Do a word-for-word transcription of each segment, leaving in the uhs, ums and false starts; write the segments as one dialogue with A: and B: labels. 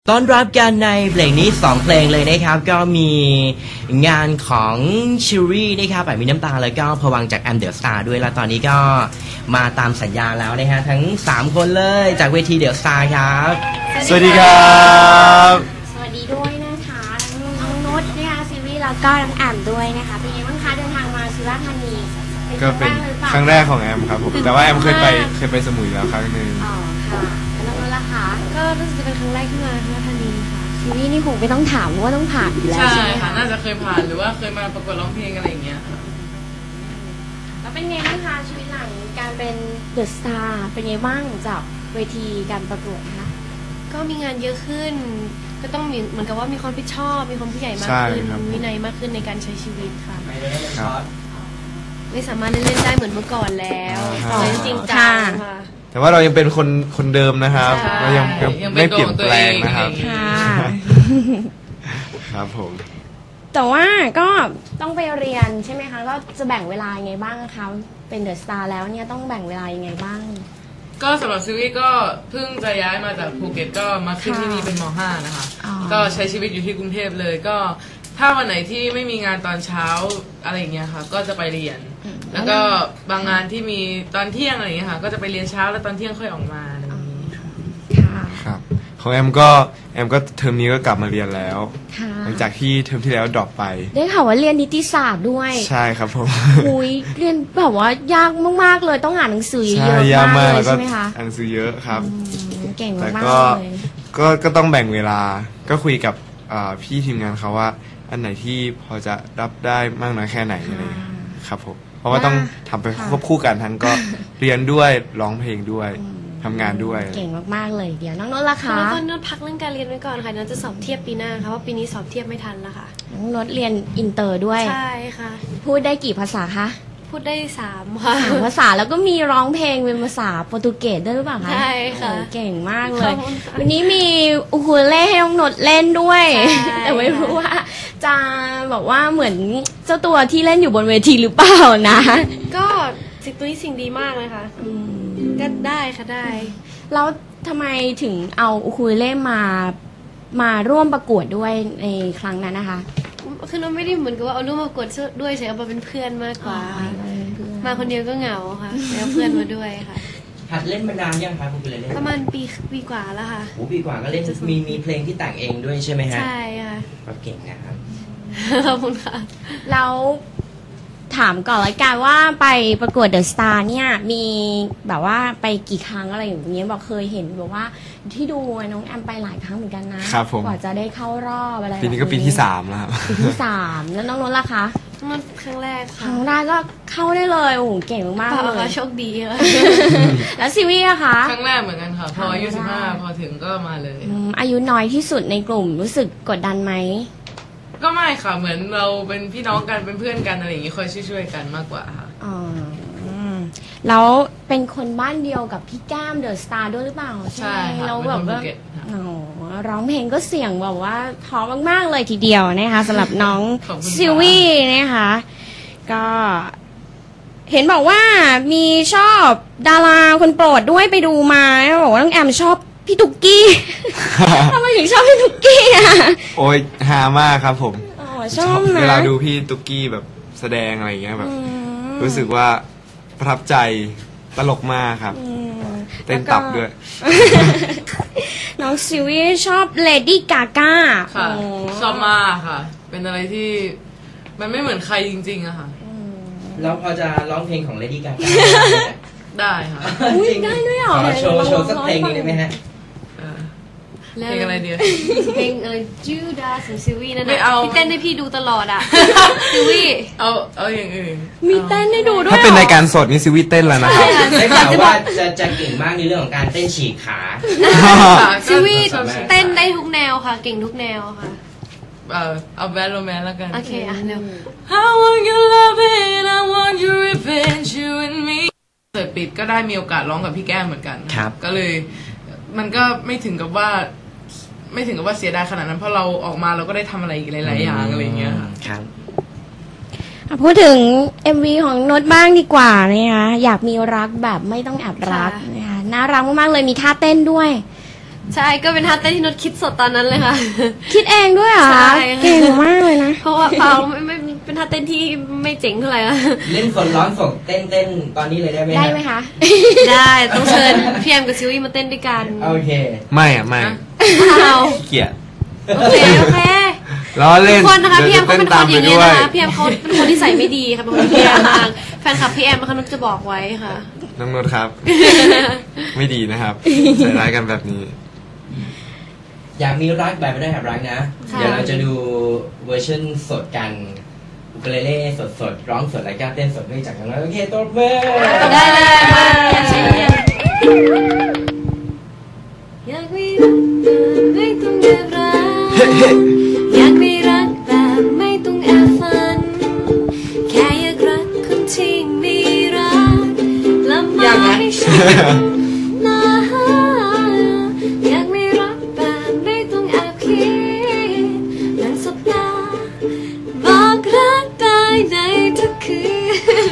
A: ต้อนรับกันในเพลงนี้สองเพลงเลยนะครับก็มีงานของชิลลี่นะครับแบบมีน้ำตาแล้วก็พวังจากแอมเดอะสตาร์ด้วยแล้วตอนนี้ก็มาตามสัญญาแล้วนะฮะทั้งสามคนเลยจากเวทีเดอะสตาร์ครับ
B: สวัสดีครับ
C: สวัสดีด้วยนะคะน้องนุชนะคะซิวี่แล้วก็น้องแอมด้วยนะคะเป็นยังไงบ้างคะเดินทางมาสุราษฎร์ธานี
B: ก็เป็นครั้งแรกของแอมครับผมแต่ว่าแอมเคยไปเคยไปสมุยแล้วครั้งนึง
C: อ๋อค่ะแล้วน้องนุชล่ะคะก็รู้สึกจะเป็นครั้งแรกที่มาสุราษฎร์ธานีค่ะซิวี่นี่คงไม่ต้องถามว่าต้องผ่านอยู่แล้วใช่ไหมคะ
D: น่าจะเคยผ่านหรือว่าเคยมาประกวดร้องเพลงอะไรอย่างเงี้ย
C: แล้วเป็นไงบ้างคะชีวิตหลังการเป็นเดอะสตาร์เป็นไงบ้างจากเวทีการประกวดคะ
E: ก็มีงานเยอะขึ้นก็ต้องมีเหมือนกับว่ามีความรับผิดชอบมีความผู้ใหญ่มากขึ้นวินัยมากขึ้นในการใช้ชีวิตค่ะไม่สามารถเล่นได้เหมือนเมื่อก่อนแล้วจริงจังค่ะ
B: แต่ว่าเรายังเป็นคนคนเดิมนะครับเรายังไม่เปลี่ยนแปลงนะครับครับผม
C: แต่ว่าก็ต้องไปเรียนใช่ไหมคะก็จะแบ่งเวลายังไงบ้างคะเป็นเดอะสตาร์แล้วเนี่ยต้องแบ่งเวลายังไงบ้าง
D: ก็สำหรับซิวี่ก็เพิ่งจะย้ายมาจากภูเก็ตก็มาขึ้นที่นี่เป็นม ห้านะคะก็ใช้ชีวิตอยู่ที่กรุงเทพเลยก็ถ้าวันไหนที่ไม่มีงานตอนเช้าอะไรอย่างเงี้ยค่ะก็จะไปเรียนแล้วก็บางงานที่มีตอนเที่ยงอะไรอย่างเงี้ยค่ะก็จะไปเรียนเช้าแล้วตอนเที่ยงค่อยออกมาอะไรอย่างนี้
B: ครับของแอมก็แอมก็เทอมนี้ก็กลับมาเรียนแล้วหลังจากที่เทอมที่แล้วดรอปไป
C: ได้ข่าวว่าเรียนนิติศาสตร์ด้วย
B: ใช่ครับผม
C: อุ้ยเรียนแบบว่ายากมากๆเลยต้องอ่านหนังสือเยอะมากเลยใช่ไหมคะ
B: อ่านหนังสือเยอะครับ
C: เก่งมากเลย
B: ก็ก็ต้องแบ่งเวลาก็คุยกับพี่ทีมงานเขาว่าอันไหนที่พอจะรับได้มากน้อยแค่ไหนอะไรครับผมเพราะว่าต้องทำไปควบคู่กันทั้งก็เรียนด้วยร้องเพลงด้วยทำงานด้วย
C: เก่งมากๆเลยเดี๋ยวน้องนนท์ล่ะคะ
E: แล้วก็นนท์พักเรื่องการเรียนไว้ก่อนค่ะนนท์จะสอบเทียบปีหน้าค่ะเพราะปีนี้สอบเทียบไม่ทันแล้วค่ะ
C: น้องนนท์เรียนอินเตอร์ด้วย
E: ใช่ค่ะ
C: พูดได้กี่ภาษาคะ
E: พูดได้สามค่ะ
C: สามภาษาแล้วก็มีร้องเพลงเป็นภาษาโปรตุเกสด้วยหรือเปล่าคะ
E: ใช่ค่ะ
C: เก่งมากเลยวันนี้มีอูคูเลเล่ให้น้องนนท์เล่นด้วยแต่ไม่รู้ว่าจะบอกว่าเหมือนเจ้าตัวที่เล่นอยู่บนเวทีหรือเปล่านะ
E: ก็สิ่งตัวนี้สิ่งดีมากเลยค่ะก็ได้ค่ะได้
C: แล้วทำไมถึงเอาอูคูเลเล่มามาร่วมประกวดด้วยในครั้งนั้นนะคะ
E: คือเราไม่ได้เหมือนกับว่าเอารูปมากดด้วยใช่เอามาเป็นเพื่อนมากกว่ามาคนเดียวก็เหงาค่ะแล้วเพื่อนมาด้วยค่ะ
A: หัดเล่นมานานยังคะคุณเลยเล่น
E: ประมาณปีปีกว่าแล้วค่ะ
A: โอ้ปีกว่าก็เล่นมีมีเพลงที่แต่งเองด้วยใช่ไหมฮะ
E: ใช่ค่ะ
A: ก็เก่งนะครับ
E: ขอบคุณค่ะ
C: แล้วถามก่อนละกันว่าไปประกวดเดอะสตาร์เนี่ยมีแบบว่าไปกี่ครั้งอะไรอย่างเงี้ยบอกเคยเห็นบอกว่าที่ดูน้องแอมไปหลายครั้งเหมือนกันนะครับ
B: ผม
C: กว่าจะได้เข้ารอบอะไร
B: ปีนี้ก็ปีที่สามแล้วครับ
C: ปีที่สามแล้วน้องนนท์ล่ะคะ
E: มันครั้งแรก
C: ครั้งแรกก็เข้าได้เลยโอ้โหเก่งมาก
E: เลยโชคดีค่ะ
C: แล้วซีวี่อะคะ
D: ครั้งแรกเหมือนกันค่ะพออายุสิบห้าพอถึงก็มาเลย
C: อายุน้อยที่สุดในกลุ่มรู้สึกกดดันไหม
D: ก็ไม่ค่ะเหมือนเราเป็นพี่น้องกันเป็นเพื่อนกันอะไรอย่างนี้คอยช่วยๆกันมากกว่าค่ะ
C: อ๋อแล้วเป็นคนบ้านเดียวกับพี่แก้มเดอะสตาร์ด้วยหรือเปล่า
D: ใช่ค่ะ
C: เราแบบว่าร้องเพลงก็เสียงแบบว่าเพราะมากๆเลยทีเดียวนะคะสำหรับน้องซิวี่นะคะก็เห็นบอกว่ามีชอบดาราคนโปรดด้วยไปดูมาบอกว่าน้องแอมชอบพี่ตุ๊กกี้ทำไมถึงชอบพี่ตุ๊กกี้อ่ะ
B: โอ้ยฮามากครับผม
C: ชอบนะ
B: เวลาดูพี่ตุ๊กกี้แบบแสดงอะไรอย่างเงี้ยแบบรู้สึกว่าประทับใจตลกมากครับเต้นตับด้วย
C: น้องซิวี่ชอบเลดี้กาก้า
D: ค่ะชอบมากค่ะเป็นอะไรที่มันไม่เหมือนใครจริงๆอะค่ะ
A: แล้วพอจะร้องเพลงของเลดี้กาก้า
D: ได้ค่ะ
C: ได้ด้วยเหรอ
A: โชว์โชว์สักเพลงนึงได้ไหมฮะ
D: เพลงอะไรเดียว
E: เพลงอะไรจูดาของซิวี่นั่นแหละพี่เต้นให้พี่ดูตลอดอ่ะซิวี่
D: เอาเอาอย่างอื่น
C: มีเต้นให้ดูด้วย
B: ถ้าเป็นรายการสดนี่ซิวี่เต้นแล้วนะครับ
A: ได้ข่าวว่าจะจะเก่งมากในเรื่องของการเต้นฉีกขา
E: ซิวี่เต้นได้ทุกแนวค่ะเก่งทุกแนวค่ะ
D: เอาเอาแบทโรแมนแล้วกัน
E: โอเคอ่ะเร็ว
D: I want your love and I want your revenge you and me เปิดปิดก็ได้มีโอกาสร้องกับพี่แก้มเหมือนกัน
A: ครับ
D: ก็เลยมันก็ไม่ถึงกับว่าไม่ถึงกับว่าเสียดายขนาดนั้นเพราะเราออกมาเราก็ได้ทำอะไรอีกหลายๆอย่างอะไรอย่างเงี้ย
A: ครับ
C: พูดถึง เอ็ม วี ของโน้ตบ้างดีกว่านะคะอยากมีรักแบบไม่ต้องแอบรักนะคะน่ารักมากๆเลยมีท่าเต้นด้วย
E: ใช่ก็เป็นท่าเต้นที่นุชคิดสดตอนนั้นเลยค่ะ
C: คิดเองด้วยเหรอ
E: ใช่ค่ะ
C: เก่งมากเลยนะ
E: เพราะว่าเปล่าไม่ไม่เป็นท่าเต้นที่ไม่เจ๋งเท่าไหร่อะ
A: เล่นสดร้อนสดเต้นเต้นตอนนี้เลยได้ไหมฮะ
C: ได้ไหมคะ
E: ได้ต้องเชิญพี่แอมกับซิวี่มาเต้นด้วยกัน
A: โอเค
B: ไม่อะไม่
E: อ้าว
B: ขี้เกียจ
E: โอเคโอเค
B: ล้อ
E: ทุ
B: เล่
E: ก
B: น
E: คนนะคะพี่แอม
B: ดี๋
E: เขา
B: ยว
E: เป็นคนอย่างนี้นะคะพี่แอมเขาเป็นคนที่ใส่ไม่ดีค่ะเป็นคนที่แย่มากแฟนคลับพี่แอมนะคะนุชจะบอกไว้ค่ะ
B: น้องนนท์ครับ ไม่ดีนะครับใส่ร้ายกันแบบนี้
A: อยากมีรักแบบไม่ได้แอบรักนะ
E: ค่ะ
A: เดี๋ยวเราจะดูเวอร์ชันสดกันอุคูเลเล่สดสดๆร้องสดและก็เต้นสดด้วยจากทางเราโอเคตัวเบอร์
E: ได้เลยมาอยากใช้อยากอยากมีรักแบบไม่ต้องแอบรักอยากมีรักแบบไม่ต้องแอบฝันแค่อยากรักคนที่มีรักและไม่ให้ฉันนะอยากมีรักแบบไม่ต้องแอบคิดนั่งสบตาบอกรักได้ในทุกคืน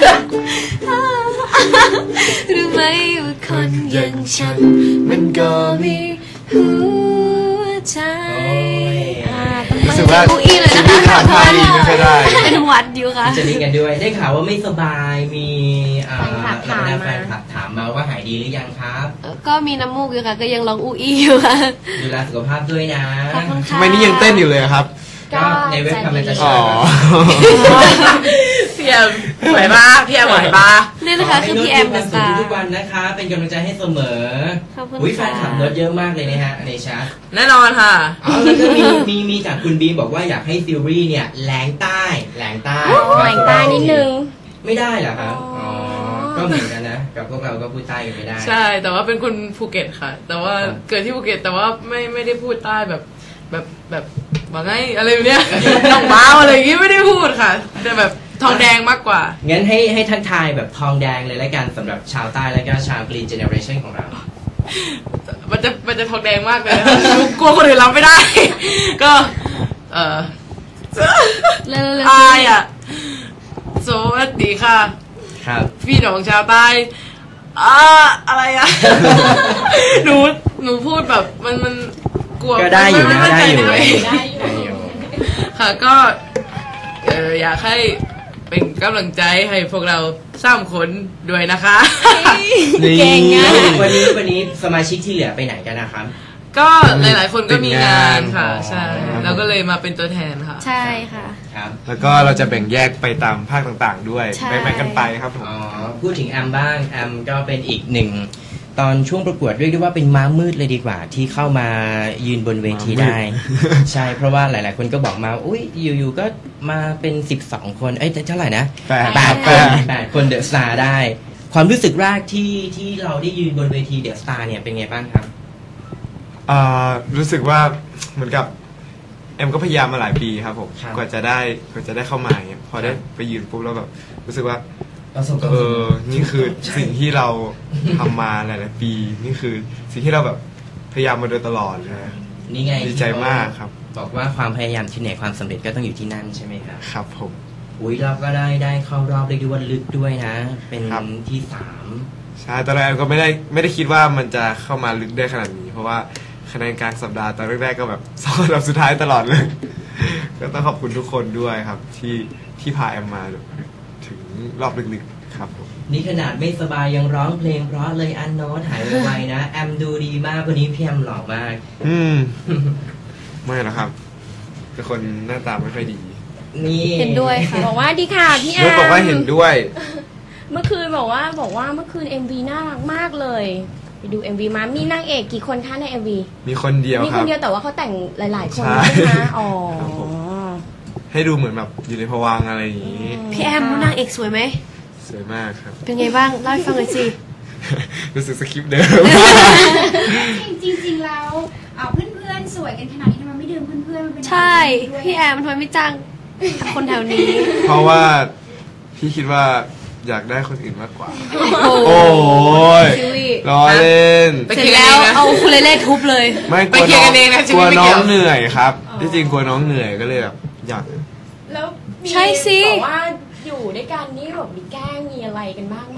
E: รู้ไหมว่าคนอย่างฉันมันก็มีหัวใจ
C: อ่า
B: รู้สึกว่า
E: อูอี้เลยนะคะ
B: ทำท่าดีไม่ค่อยได้
E: เป็นหวัดอยู่ค่ะ
A: จะดีกันด้วยได้ข่าวว่าไม่สบายมีอ่า
C: แฟนคลับถามมา
A: แฟนคลับถามมาว่าหายดีหรือยังครับ
E: ก็มีน้ำมูกอยู่ค่ะ ก็ยังร้องอูอี้อยู่ค่ะ
A: ดูแลสุขภาพด้วยนะ
E: ขอบคุณค่ะ
B: ทำไมนี่ยังเต้นอยู่เลยอะครับ
A: ก็ในเว็บคำมันจะ
B: อ๋
A: ช่
B: อ
A: วย
D: พี่แอมไหวปะพี่แอมไหวปะ
E: นี่นะคะคือพี่แอม
A: ข
E: กั
A: ให้
E: บ
A: โน้ต
E: ตา
A: ดูทุกวันนะคะ เป็นกำลังใจให้เสมอ
E: ขอบคุณ
A: อุ้ยแฟ
E: ค่ะ
A: นคลับโน้ตเยอะมากเลยนะฮะในแชท
D: แน่นอนค่ะ
A: อ๋อแล้วก็มีมีมีจากคุณบีบอกว่าอยากให้ซิลวี่เนี่ยแหลงใต้แหลงใต้
C: แหว่งตานิดนึง
A: ไม่ได้เหรอครับ
C: อ๋
A: อ๋
C: อ
A: อก็เหมือนกันนะกับพวกเราก็พูดใต้กันไม่ได้
D: ใช่แต่ว่าเป็นคนภูเก็ตค่ะ แต่ว่า
A: ครับ
D: เกิดที่ภูเก็ตแต่ว่าไม่ไม่ได้พูดใต้แบบแบบแบบว่าไงอะไรแบบเนี้ย น้องบ้าวอะไรอย่างงี้ไม่ได้พูดค่ะแต่แบบทองแดงมากกว่า
A: งั้นให้ให้ทักทายแบบทองแดงเลยแล้วกันสำหรับชาวใต้แล้วก็ชาวกรีนเจเนอเรชันของเรา
D: มันจะมันจะทองแดงมากเลยนะคะ กลัวคนอื่นรับไม่ได้ ก็ เออ
E: เร็วๆ
D: อายอ่ะสวัสดีค่ะ
A: ครับ
D: พี่น้องชาวใต้อ่าอะไรอ่ะ หนูหนูพูดแบบมันมันกลัว
A: ก็ได้อยู่นะ
D: ม่มั่ใจ
A: ได้อยู่
D: ในตัวเง
A: ได้อยู่
D: ค่ะก็เอออยากให้เป็นกำลังใจให้พวกเราสามคนด้วยนะคะ
C: เก่งอะ
A: วันนี้วันนี้สมาชิกที่เหลือไปไหนกันนะครับ
D: ก็หลาย ๆ คนก็มีงานค่ะ
A: ติดงาน
D: ใช่
A: อ๋อ
D: เราก็เลยมาเป็นตัวแทนค่ะ
E: ใช่ค่ะ
A: ครับ
B: แล้วก็เราจะแบ่งแยกไปตามภาคต่างๆ ด้วย
E: ใช่
B: แบ่งๆกันไปครับผม
A: อ๋อพูดถึงแอมบ้างแอมก็เป็นอีกหนึ่งตอนช่วงประกวดเรียกได้ว่าเป็นม้ามืดเลยดีกว่า ที่เข้ามายืนบนเวทีได้ ใช่เพราะว่าหลาย ๆ คนก็บอกมาอุ้ยอยู่ๆก็มาเป็นสิบสองคนเอ้ยเท่าไหร่นะ
B: แปด
A: แปด
B: แป
A: คน
B: ด
A: แปดคนเดอะสตาร์ได้ ความรู้สึกแรกที่ที่เราได้ยืนบนเวทีเดอะสตาร์เนี่ยเป็นไงบ้างครับ
B: อ่ารู้สึกว่าเหมือนกับเอ็มก็พยายามมาหลายปีครับผม
A: ครับ
B: กว่าจะได้กว่าจะได้เข้ามาเนี่ยพอได้ไปยืนปุ๊บแล้วแบบรู้สึกว่า
A: ประสบความ
B: เอ
A: สำ
B: อ
A: เร็จ
B: นี่คือ
A: ใช่
B: สิ่งที่เราทำมาหลาย ๆ ปี นี่คือสิ่งที่เราแบบพยายามมาโดยตลอดเลยนะ
A: นี่ไง
B: ดีใจมากครับ
A: บอกว่าความพยายามที่ไหนความสำเร็จก็ต้องอยู่ที่นั่นใช่ไหมครับ
B: ครับผม
A: อุ้ยเราก็ได้ได้เข้ารอบเรียกได้ว่าลึกด้วยนะ เป็น
B: ครับ
A: ที่สาม
B: ใช่ตอนแรกก็ไม่ได้ไม่ได้คิดว่ามันจะเข้ามาลึกได้ขนาดนี้ เพราะว่าคะแนนกลางสัปดาห์ตอนแรก ๆ ก็แบบ สองอันดับสุดท้ายตลอดเลย ก็ต้องขอบคุณทุกคนด้วยครับ ที่ที่พาแอมมาถึงรอบลึก ๆ ครับผม
A: นี่ขนาดไม่สบายยังร้องเพลงเพราะเลยอันโน้ตหายไวๆนะ แอมดูดีมากวันนี้พี่แอมหล่อมาก
B: อืม ไม่หรอกครับเป็นคนหน้าตาไม่ค่อยดี
A: นี่
E: เห็นด้วยค่ะ
C: บอกว่าดีค่ะพี่แอ
B: นุช
C: ม
B: บอกว่าเห็นด้วย
C: เมื่อคืนบอกว่าบอกว่าเมื่อคืน เอ็ม วี น่ารักมากเลย ไปดู เอ็ม วี มา มีนางเอกกี่คนคะใน เอ็ม วี
B: มีคนเดียว
C: มี
B: ค
C: ค
B: รั
C: น
B: บ
C: เดียวแต่ว่าเขาแต่งหลาย ๆ คน
B: ใช่
C: ใช่ไหมอ๋อ
B: ครับผม ให้ดูเหมือนแบบอยู่ในภวังค์อะไรอย่างนี้
E: พี่แอมรู้นางเอกสวยไหม
B: สวยมากครับ
E: เป็นไงบ้างเล่าให้ฟังหน่อยสิ
B: รู้สึกสคริปต์เดิม
F: จริงๆ แล้วเอ่อเพื่อนๆ สวยกันขนาดนี้ทำไมไม่ดึงเพื่อนๆ มาเป็น
E: ใช่
F: ด้วย
E: พี่แอมทำไมไม่จ้างคนแถวนี้
B: เพราะว่าพี่คิดว่าอยากได้คนอื่นมากกว่า
E: โอ้
B: โอ้ย
E: ซิวี่
B: ล้อเล่น
D: ไป
E: เสร็
D: เค
E: จ
D: ลียร์
E: แล้ว
D: กันเองนะ
E: เอาคูเลเล่ทุบเลย
B: ไม่ก
D: ไป
B: ลัว
D: เคลีย
B: น้
D: ร์
B: อง
D: กันเองนะชี
B: ก
D: วิ
B: ลั
D: ต
B: ว
D: ไม่
B: น้
D: เกี่
B: อง
D: ยว
B: เหนื่อยครับที่จริงกลัวน้องเหนื่อยก็เลยแบบอยาก
C: แล้วมี
E: ใช่สิ
C: บอกว่าอยู่ด้วยกันนี่แบบมีแกล้งมีอะไรกันบ้างไหม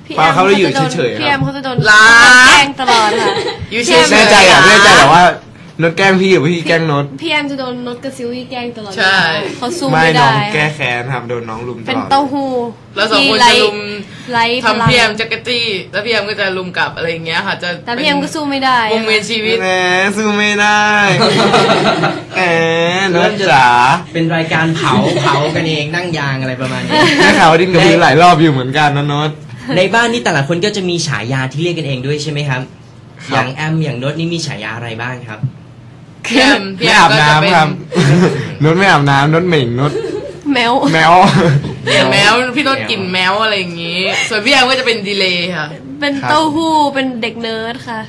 E: พี่
B: เปล่าเขาเลยอยู่
E: จะโดน
B: เฉยๆครับ
E: พี่แอมเขาจะโดน
D: รัก
E: แกล้งตลอดค่ะ
D: อยู่เฉ
B: แน่
D: ยๆ
B: ใจเหรอ่ะ
D: นะ
B: แน่ใจเหรอว่าโน้ตแกล้งพี่หรือพี่แกล้งโน้ต
E: พี่แอมจะโดนนดกับซิลวี่แกล้งตลอด
D: ใช่
E: เขาสู้
B: ไม่
E: ไม่
B: น้อ
E: ได้
B: งแก้แค้นครับโดนน้องลุมต
E: เป็น
B: ลอด
E: เต้าหู้
D: แล้วสองคน
E: ที่
D: จะ
E: ไร้
D: ลุม
E: ไร้พลัง
D: ทำพี่แอมจักรจี้แล้วพี่แอมก็จะลุมกลับอะไรอย่างเงี้ยค่ะ จะ
E: แต่พี่แอมก็สู้ไม่ได้
D: วงเวียนชีวิต
B: แหมสู้ไม่ได้แหมโน้ตจ๋า
A: เป็นรายการเผาเผากันเองนั่งยางอะไรประมาณนี้
B: ได้ข่าวว่าดิ้นกับพี่หลายรอบอยู่เหมือนกันนะโน้ต
A: ในบ้านนี่แต่ละคนก็จะมีฉายาที่เรียกกันเองด้วยใช่ไหมครับ
B: ครับ
A: อย่างแอมอย่างโน้ตนี่มีฉายาอะไรบ้างครับ
D: พี่แอมพี่
B: ไม่
D: แอ
B: อาม บ
D: ก็จะเป็น
B: น้ำครับโน้ตไม่อาบน้ำโน้ตเหม่งโน้ต
E: แมว
B: แมว
D: แมวพี่โน้ตกลิ่นแมวอะไรอย่างงี้ ส่วนพี่แอมก็จะเป็นดีเลย์ค่ะ
E: เป็นเต้าหู้เป็นเด็กเนิร์ดค่ะ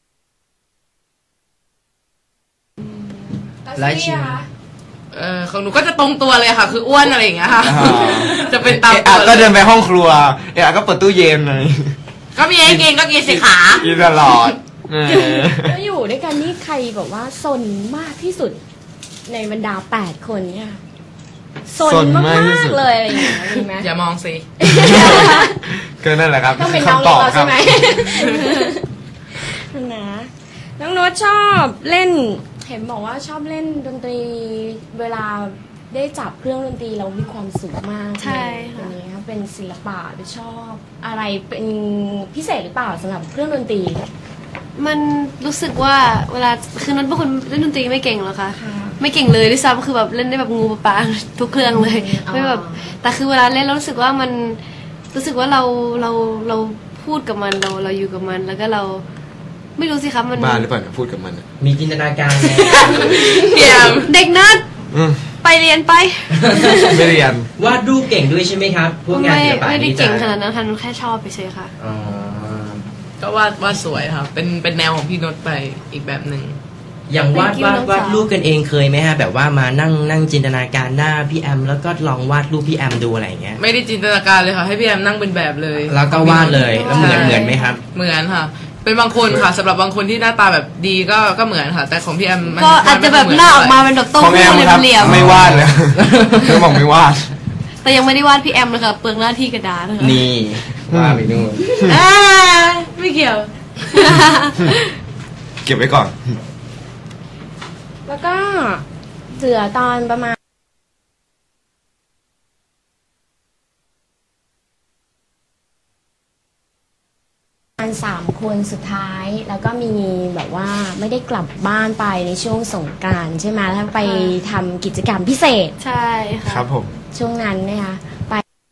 A: และชื่อ
D: เออของหนูก็จะตรงตัวเลยค่ะ คืออ้วนอะไรอย่างเงี้ยค่ะ
B: อ่า
D: จะเป็นตาม
B: เอะ
D: ตั
B: อะ
D: ว
B: ก็
D: เล
B: เดิ
D: ย
B: นไปห้องครัวเอะอะก็เปิดตู้เย็นเลย
D: ก็มีไอ้เกงก็กินสิขา
B: กินตลอดเออ
C: แล้วอยู่ด้วยกันนี่ใครแบบว่าซนมากที่สุดในบรรดาแปดคนเนี่ยซนมากๆเลยอะไรอย่างเงี้ยมีไหม
D: อย่ามองสิ
B: ก็นั่นแหละครับ
C: ต้องเป็นน้อง
B: คำตอบ
C: เรา
B: ครั
C: ใช่
B: บ
C: ไหม นะน้องโน้ตชอบเล่น เห็นบอกว่าชอบเล่นดนตรีเวลาได้จับเครื่องดนตรีเรามีความสุขมาก
E: ใช่ค่ะ
C: อันนี้เป็นศิลปะหรือชอบอะไรเป็นพิเศษหรือเปล่าสำหรับเครื่องดนตรี
E: มันรู้สึกว่าเวลาคือนั้นเป็นคนเล่นดนตรีไม่เก่งหรอกค่ะ
C: ค่ะ
E: ไม่เก่งเลยด้วยซ้ำคือแบบเล่นได้แบบงูปลาปลาทุกเครื่องเลย
C: อ๋อ
E: ไม่แบบแต่คือเวลาเล่นแล้วรู้สึกว่ามันรู้สึกว่าเราเราเราพูดกับมันเราเราอยู่กับมัน แล้วก็เราไม่รู้สิครับมัน
B: บ้าหรือเปล่าเนี่ยพูดกับมันอะ
A: มีจินตนาการไหม
D: พี่แอม
E: เด็กเนิร์ด
B: อืม
E: ไปเรียนไป
B: ไม่เรียน
A: วาดรูปเก่งด้วยใช่ไหมครับ พวกงาน
E: ไม่
A: ศิลปะ
E: ไม่ได้
A: นี่จะ
E: เก่งขนาดนั้นค่ะแค่ชอบไปเฉยค่ะ
A: อ๋อ
D: ก็วาดวาดสวยค่ะ เป็นเป็นแนวของพี่โน้ตไปอีกแบบหนึ่ง
A: อย่างวาด
E: Thank you
A: วาด
E: น้อง
A: วาด
E: สาว
A: รูปกันเองเคยไหมฮะแบบว่ามานั่งนั่งจินตนาการหน้าพี่แอม แล้วก็ลองวาดรูปพี่แอมดูอะไรอย่างเงี้ย
D: ไม่ได้จินตนาการเลยค่ะ ให้พี่แอมนั่งเป็นแบบเลย
A: แล้วก็วาดเลยแล้วเหมือนเหมือนไหมครับ
D: เหมือนค่ะ เป็นบางคนค่ะสำหรับบางคนที่หน้าตาแบบดีก็ก็เหมือนค่ะ แต่ของพี่แอมมัน
E: ก็อาจจะแบบหน้าออกมาเป็นแบบโต้
B: ของแอ
E: หู้
B: มครับ
E: เหลี่ยม
B: ไม่วาดเลยเธอบอกไม่วาด
E: ๆแต่ยังไม่ได้วาดพี่แอมเลยค่ะเปลืองหน้าที่กระดาษนะคะ
A: นี่วาดไปนู่น
D: อ่าไม่เกี่ยว
B: เก็บไว้ก่อน
C: แล้วก็เสือตอนประมาณสามคนสุดท้าย แล้วก็มีแบบว่าไม่ได้กลับบ้านไปในช่วงสงกรานต์ใช่ไหมแล้วไปทำกิจกรรมพิเศษ
E: ใช่ค่ะ
B: ครับผม
C: ช่วงนั้นนะคะไป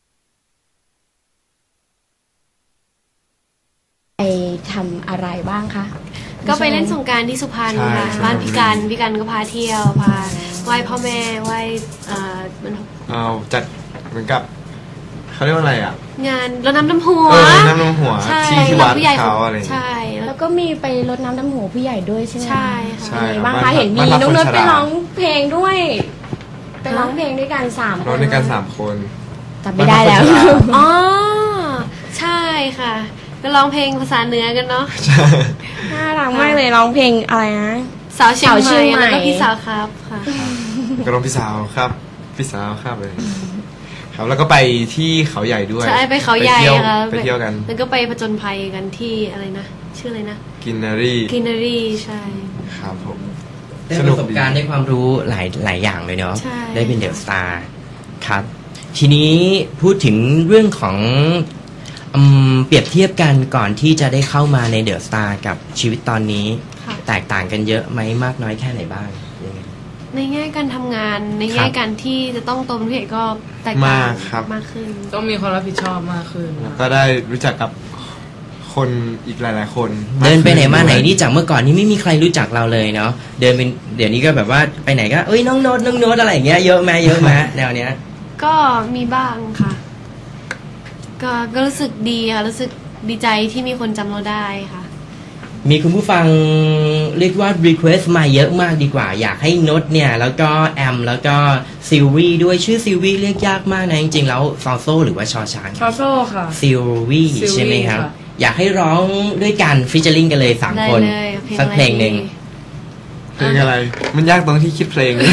C: ไปทำอะไรบ้างคะ
E: ก็ไปเล่นสงกรารที่สุพรรณ
B: ใช่
E: ค่ะ
B: ใช่
E: บ้านพี่กันพี่กันก็พาเที่ยวพาไหว้พ่อแม่ไหว้เอ่อมัน
B: เอาจัดเหมือนกับเขาเรียกว่าอะไรอ่ะ
E: งานรดน้ำดำหัว
B: เออน้ำนมหัว
E: ใช่
B: ที่ที่วัด
E: ผู้ใหญ่
B: เขาอะไรอย่างเงี้ย
E: ใช่แล้
C: แล้ว วก็มีไปรดน้ำดำหัวผู้ใหญ่ด้วยใช่ไหม
E: ใช่ค่ะ
B: ใช่
C: เป็นไงบ้าง
B: บ้า
C: คะ
B: น
C: เห็นมี
B: บ้านพัก
C: น้อง
B: คน
C: เนิร์ด
B: ชรา
C: ไปร้องเพลงด้วยไปร้องเพลงด้วยกันสามคน
B: เราในการสามคน
C: จำไม่ได้แล้ว
B: บ้านพักคนชรา
E: อ๋อใช่ค่ะก็ร้องเพลงภาษาเหนือกันเนาะ
C: น่ารักมากเลยร้องเพลงอะไรนะ
E: สาวเชียง
C: สาวเชี
E: ให
C: ย
E: ม่
C: งใหม่
E: แล้วก็พี่สาวครับค่ะ
B: ก็ร้องพี่สาวครับ พี่สาวครับเลย ครับแล้วก็ไปที่เขาใหญ่ด้วย
E: ใช่ไปเขาใหญ่
B: ไปเที่ยว
E: ค่ะ
B: ไปเที่ยวกัน
E: แล้วก็ไปผจญภัยกันที่อะไรนะชื่ออะไรนะ
B: กินนารี
E: กินนารีใช่
B: ครับผม
A: ได้
B: ส
A: ป
B: นุ
A: ระ
B: ก
A: สบ
B: ดี
A: การณ์ได้ความรู้หลายหลายอย่างเลยเนาะ
E: ใช่
A: ได้เป็นเดอะสตาร์ครับ ทีนี้พูดถึงเรื่องของอืมเปรียบเทียบกันก่อนที่จะได้เข้ามาในเดอะสตาร์กับชีวิตตอนนี้
E: ค่ะ
A: แตกต่างกันเยอะไหมมากน้อยแค่ไหนบ้างยังไง
E: ในแง่การทำงานใน
A: ครั
E: แง่
A: บ
E: การที่จะต้องตรงเพจก็แตกต่าง
B: มากครับ
E: มากขึ้น
D: ต้องมีความรับผิดชอบมากขึ้น
B: แล้วก็ได้รู้จักกับคนอีกหลาย ๆ คน
A: เดินไปไหนมาไหน
B: ด้วย
A: นี่จากเมื่อก่อนนี่ไม่มีใครรู้จักเราเลยเนาะเดินเป็นเดี๋ยวนี้ก็แบบว่าไปไหนก็เอ้ยน้องโน้ตน้องโน้ตอะไรอย่างเงี้ยเยอะไหมเยอะไหมแนวเนี้ย
E: ก็มีบ้างค่ะ ก็ก็รู้สึกดีค่ะ รู้สึกดีใจที่มีคนจำเราได้ค่ะ
A: มีคุณผู้ฟังเรียกว่า request มาเยอะมากดีกว่า อยากให้โน้ตเนี่ย แล้วก็แอม แล้วก็ซิลวี่ด้วยชื่อซิลวี่เรียกยากมากนะ จริงๆ แล้วซอโซหรือว่าชอช้าง
D: ชอโซ่ค่ะ
A: ซิลวี่
D: Sylvie
A: ใช่ไหมครับ
D: ค่ะ
A: อยากให้ร้องด้วยกันฟิชเชอร์ลิงกันเลยสาม
E: ได้
A: คน
E: เลยเพลง
A: สักเพลงหนึ่ง
E: อะไรดี
B: เพลงอะไร มันยากตรงที่คิดเพลง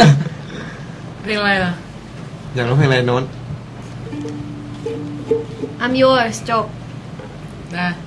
D: เพลงอะไรล่ะ
B: อยากร้องเพลงอะไรโน้ต
E: I'm yours จบ
D: นะ